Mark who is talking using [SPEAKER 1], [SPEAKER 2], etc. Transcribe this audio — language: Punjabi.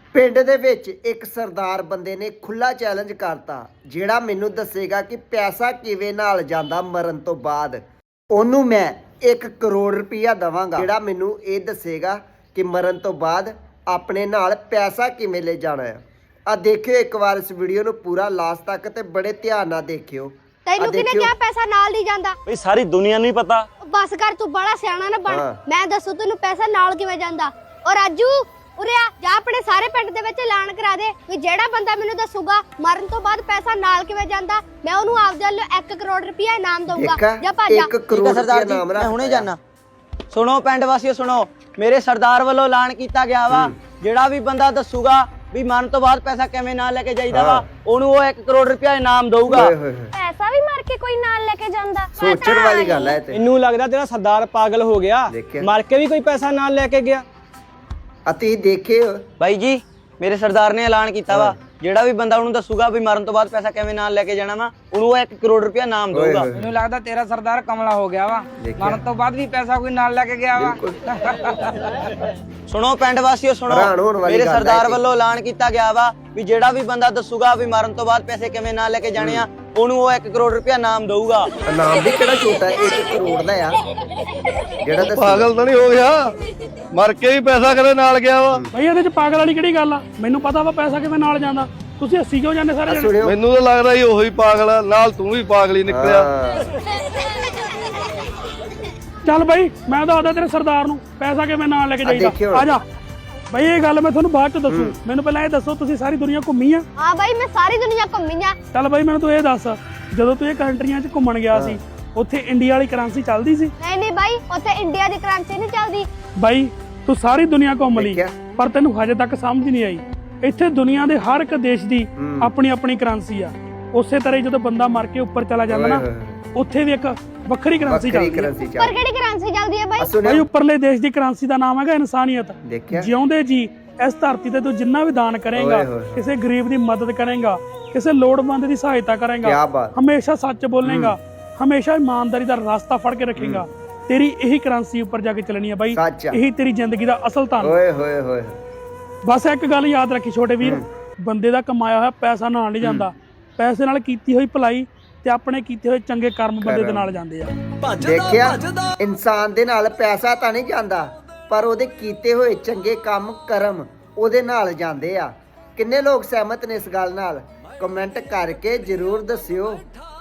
[SPEAKER 1] ਪਿੰਡ ਦੇ ਵਿੱਚ ਇੱਕ ਸਰਦਾਰ ਬੰਦੇ ਨੇ ਖੁੱਲਾ ਚੈਲੰਜ ਕਰਤਾ, ਜਿਹੜਾ ਮੈਨੂੰ ਦੱਸੇਗਾ ਕਿ ਪੈਸਾ ਕਿਵੇਂ ਨਾਲ ਜਾਂਦਾ ਮਰਨ ਤੋਂ ਬਾਅਦ। ਉਹਨੂੰ ਮੈਂ 1 ਕਰੋੜ ਰੁਪਇਆ ਦਵਾਂਗਾ, ਜਿਹੜਾ ਮੈਨੂੰ ਇਹ ਦੱਸੇਗਾ ਕਿ ਮਰਨ ਤੋਂ ਬਾਅਦ ਆਪਣੇ ਨਾਲ ਪੈਸਾ ਕਿਵੇਂ ਲੈ ਜਾਣਾ ਹੈ। ਆ ਦੇਖਿਓ ਇੱਕ ਵਾਰ ਇਸ ਵੀਡੀਓ ਨੂੰ ਪੂਰਾ ਲਾਸਟ ਤੱਕ ਤੇ ਬੜੇ ਧਿਆਨ ਨਾਲ ਦੇਖਿਓ।
[SPEAKER 2] ਤੈਨੂੰ ਕਿਹਨੇ ਕਿਹਾ ਪੈਸਾ ਨਾਲ ਨਹੀਂ ਜਾਂਦਾ?
[SPEAKER 3] ਬਈ ਸਾਰੀ ਦੁਨੀਆ ਨੂੰ ਹੀ ਪਤਾ।
[SPEAKER 2] ਬਸ ਕਰ, ਤੂੰ ਬੜਾ ਸਿਆਣਾ ਨਾ ਬਣ। ਮੈਂ ਦੱਸੂ ਤੈਨੂੰ ਪੈਸਾ ਨਾਲ ਕਿਵੇਂ ਜਾਂਦਾ। ਔਰ ਰਾਜੂ ਉਰੇ ਆ ਜਾ, ਆਪਣੇ ਸਾਰੇ ਪਿੰਡ ਦੇ ਵਿੱਚ ਐਲਾਨ ਕਰਾ ਦੇ ਵੀ ਜਿਹੜਾ ਬੰਦਾ ਮੈਨੂੰ ਦੱਸੂਗਾ ਮਰਨ ਤੋਂ ਬਾਅਦ ਪੈਸਾ ਨਾਲ ਕਿਵੇਂ ਜਾਂਦਾ, ਮੈਂ ਉਹਨੂੰ ਆਪਦੇ ਵੱਲੋਂ 1 ਕਰੋੜ ਰੁਪਇਆ ਇਨਾਮ ਦਊਂਗਾ। ਜਾ ਭੱਜ ਜਾ।
[SPEAKER 1] 1 ਕਰੋੜ ਸਰਦਾਰ ਜੀ, ਮੈਂ
[SPEAKER 4] ਹੁਣੇ ਜਾਣਾ। ਸੁਣੋ ਪਿੰਡ ਵਾਸੀਓ, ਸੁਣੋ, ਮੇਰੇ ਸਰਦਾਰ ਵੱਲੋਂ ਐਲਾਨ ਕੀਤਾ ਗਿਆ ਵਾ, ਜਿਹੜਾ ਵੀ ਬੰਦਾ ਦੱਸੂਗਾ ਵੀ ਮਰਨ ਤੋਂ ਬਾਅਦ ਪੈਸਾ ਕਿਵੇਂ ਨਾਲ ਲੈ ਕੇ ਜਾਈਦਾ ਵਾ, ਉਹਨੂੰ ਉਹ 1 ਕਰੋੜ ਰੁਪਇਆ ਇਨਾਮ ਦਊਗਾ।
[SPEAKER 2] ਪੈਸਾ ਵੀ ਮਾਰ ਕੇ ਕੋਈ ਨਾਲ ਲੈ ਕੇ ਜਾਂਦਾ?
[SPEAKER 1] ਸੋਚਣ ਵਾਲੀ ਗੱਲ ਹੈ ਤੇ।
[SPEAKER 5] ਮੈਨੂੰ ਲੱਗਦਾ ਤੇਰਾ ਸਰਦਾਰ ਪਾਗਲ ਹੋ ਗਿਆ, ਮਰ ਕੇ ਵੀ ਕੋਈ ਪੈਸਾ ਨਾਲ ਲੈ ਕੇ ਗਿਆ।
[SPEAKER 1] ਅਤੇ ਦੇਖਿਓ
[SPEAKER 4] ਬਾਈ ਜੀ, ਮੇਰੇ ਸਰਦਾਰ ਨੇ ਐਲਾਨ ਕੀਤਾ ਵਾ, ਜਿਹੜਾ ਵੀ ਬੰਦਾ ਉਹਨੂੰ ਦੱਸੂਗਾ ਵੀ ਮਰਨ ਤੋਂ ਬਾਅਦ ਪੈਸਾ ਕਿਵੇਂ ਨਾਲ ਲੈ ਕੇ ਜਾਣਾ ਵਾ, ਉਹਨੂੰ 1 ਕਰੋੜ ਰੁਪਇਆ ਇਨਾਮ ਦਊਗਾ।
[SPEAKER 6] ਮੈਨੂੰ ਲੱਗਦਾ ਤੇਰਾ ਸਰਦਾਰ ਕਮਲਾ ਹੋ ਗਿਆ ਵਾ, ਮਰਨ ਤੋਂ ਬਾਅਦ ਵੀ ਪੈਸਾ ਕੋਈ ਨਾਲ ਲੈ ਕੇ ਗਿਆ ਵਾ।
[SPEAKER 4] ਸੁਣੋ ਪਿੰਡ ਵਾਸੀਓ, ਸੁਣੋ, ਮੇਰੇ ਸਰਦਾਰ ਵੱਲੋਂ ਐਲਾਨ ਕੀਤਾ ਗਿਆ ਵਾ ਵੀ ਜਿਹੜਾ ਵੀ ਬੰਦਾ ਦੱਸੂਗਾ ਵੀ ਮਰਨ ਤੋਂ ਬਾਅਦ ਪੈਸੇ ਕਿਵੇਂ ਨਾਲ ਲੈ ਕੇ ਜਾਣੇ ਆ, ਉਹਨੂੰ ਉਹ 1 ਕਰੋੜ ਰੁਪਇਆ ਇਨਾਮ ਦਊਗਾ।
[SPEAKER 1] ਇਨਾਮ ਵੀ ਕਿਹੜਾ ਛੋਟਾ ਹੈ, 1 ਕਰੋੜ ਦਾ ਆ। ਜਿਹੜਾ
[SPEAKER 7] ਪਾਗਲ ਤਾਂ ਨਹੀਂ ਹੋ ਗਿਆ, ਮਰ ਕੇ ਵੀ ਪੈਸਾ ਕਦੇ ਨਾਲ ਗਿਆ ਵਾ।
[SPEAKER 5] ਬਈ ਇਹਦੇ ਚ ਪਾਗਲ ਵਾਲੀ ਕਿਹੜੀ ਗੱਲ ਆ? ਮੈਨੂੰ ਪਤਾ ਵਾ ਪੈਸਾ ਕਿਵੇਂ ਨਾਲ ਜਾਂਦਾ। ਤੁਸੀਂ ਹੱਸੀ ਕਿਉਂ ਜਾਂਦੇ ਸਾਰੇ ਜਣੇ?
[SPEAKER 7] ਮੈਨੂੰ ਤਾਂ ਲੱਗਦਾ ਹੀ ਉਹੀ ਪਾਗਲ ਆ, ਨਾਲ ਤੂੰ ਵੀ ਪਾਗਲ ਹੀ ਨਿਕਲਿਆ।
[SPEAKER 5] ਚੱਲ ਬਈ, ਮੈਂ ਦੱਸਦਾ ਤੇਰੇ ਸਰਦਾਰ ਨੂੰ ਪੈਸਾ ਕਿਵੇਂ ਨਾਲ ਲੈ ਕੇ ਜਾਈਦਾ। ਆ ਜਾ ਬਈ, ਇਹ ਗੱਲ ਮੈਂ ਤੁਹਾਨੂੰ ਬਾਅਦ ਚ ਦੱਸੂ। ਮੈਨੂੰ ਪਹਿਲਾਂ ਇਹ ਦੱਸੋ, ਤੁਸੀਂ ਸਾਰੀ ਦੁਨੀਆ ਘੁੰਮੀ ਆ?
[SPEAKER 2] ਹਾਂ ਬਾਈ, ਮੈਂ ਸਾਰੀ ਦੁਨੀਆ ਘੁੰਮੀ ਆ।
[SPEAKER 5] ਚੱਲ ਬਈ ਮੈਨੂੰ ਤੂੰ ਇਹ ਦੱਸ, ਜਦੋਂ ਤੂੰ ਇਹ ਕੰਟਰੀਆਂ 'ਚ ਘੁੰਮਣ ਗਿਆ ਸੀ, ਉੱਥੇ ਇੰਡੀਆ ਵਾਲੀ ਕਰੰਸੀ ਚੱਲਦੀ ਸੀ?
[SPEAKER 2] ਨਹੀਂ ਬਾਈ, ਉੱਥੇ ਇੰਡੀਆ ਦੀ ਕਰੰਸੀ ਨਹੀਂ ਚੱਲਦੀ।
[SPEAKER 5] ਬਾਈ ਤੂੰ ਸਾਰੀ ਦੁਨੀਆ ਘੁੰਮ ਲਈ, ਪਰ ਤੈਨੂੰ ਹਜੇ ਤੱਕ ਸਮਝ ਨਹੀਂ ਆਈ, ਇੱਥੇ ਦੁਨੀਆ ਦੇ ਹਰ ਇੱਕ ਦੇਸ਼ ਦੀ ਆਪਣੀ ਆਪਣੀ ਕਰੰਸੀ ਆ। ਉਸੇ ਤਰ੍ਹਾਂ ਜਦੋਂ ਬੰਦਾ ਮਰ ਕੇ ਉੱਪਰ ਚਲਾ ਜਾਂਦਾ ਨਾ, ਉੱਥੇ ਵੀ ਇੱਕ ਵੱਖਰੀ ਕਰੰਸੀ ਚੱਲਦੀ ਹੈ।
[SPEAKER 2] ਪਰ ਕਿਹੜੀ ਕਰੰਸੀ ਚੱਲਦੀ ਹੈ ਬਾਈ?
[SPEAKER 5] ਬਾਈ ਉੱਪਰਲੇ ਦੇਸ਼ ਦੀ ਕਰੰਸੀ ਦਾ ਨਾਮ ਹੈਗਾ ਇਨਸਾਨੀਅਤ। ਜਿਉਂਦੇ ਜੀ ਇਸ ਧਰਤੀ ਤੇ ਤੂੰ ਜਿੰਨਾ ਵੀ ਦਾਨ ਕਰੇਗਾ, ਕਿਸੇ ਗਰੀਬ ਦੀ ਮਦਦ ਕਰੇਗਾ, ਕਿਸੇ ਲੋੜਵੰਦ ਦੀ ਸਹਾਇਤਾ ਕਰੇਗਾ, ਹਮੇਸ਼ਾ ਸੱਚ ਬੋਲੇਗਾ, ਹਮੇਸ਼ਾ ਇਮਾਨਦਾਰੀ ਦਾ ਰਸਤਾ ਫੜ ਕੇ ਰੱਖੇਗਾ, ਤੇਰੀ ਇਹੀ ਕਰੰਸੀ ਉੱਪਰ ਜਾ ਕੇ ਚੱਲਣੀ ਹੈ ਬਾਈ। ਇਹੀ ਤੇਰੀ ਜ਼ਿੰਦਗੀ ਦਾ ਅਸਲ ਧਨ।
[SPEAKER 1] ਓਏ ਹੋਏ ਹੋਏ,
[SPEAKER 5] ਬਸ ਇੱਕ ਗੱਲ ਯਾਦ ਰੱਖੀ ਛੋਟੇ ਵੀਰ, ਬੰਦੇ ਦਾ ਕਮਾਇਆ ਹੋਇਆ ਪੈਸਾ ਨਾਲ ਨਹੀਂ ਜਾਂਦਾ, ਪੈਸੇ ਨਾਲ ਕੀਤੀ ਹੋਈ ਭਲਾਈ ਤੇ ਆਪਣੇ ਕੀਤੇ ਹੋਏ ਚੰਗੇ ਕਰਮ ਬੰਦੇ ਦੇ ਨਾਲ ਜਾਂਦੇ ਆ।
[SPEAKER 1] ਦੇਖਿਆ, ਇਨਸਾਨ ਦੇ ਨਾਲ ਪੈਸਾ ਤਾਂ ਨਹੀਂ ਜਾਂਦਾ, ਪਰ ਉਹਦੇ ਕੀਤੇ ਹੋਏ ਚੰਗੇ ਕੰਮ ਕਰਮ ਉਹਦੇ ਨਾਲ ਜਾਂਦੇ ਆ। ਕਿੰਨੇ ਲੋਕ ਸਹਿਮਤ ਨੇ ਇਸ ਗੱਲ ਨਾਲ? ਕਮੈਂਟ ਕਰਕੇ ਜਰੂਰ ਦੱਸਿਓ।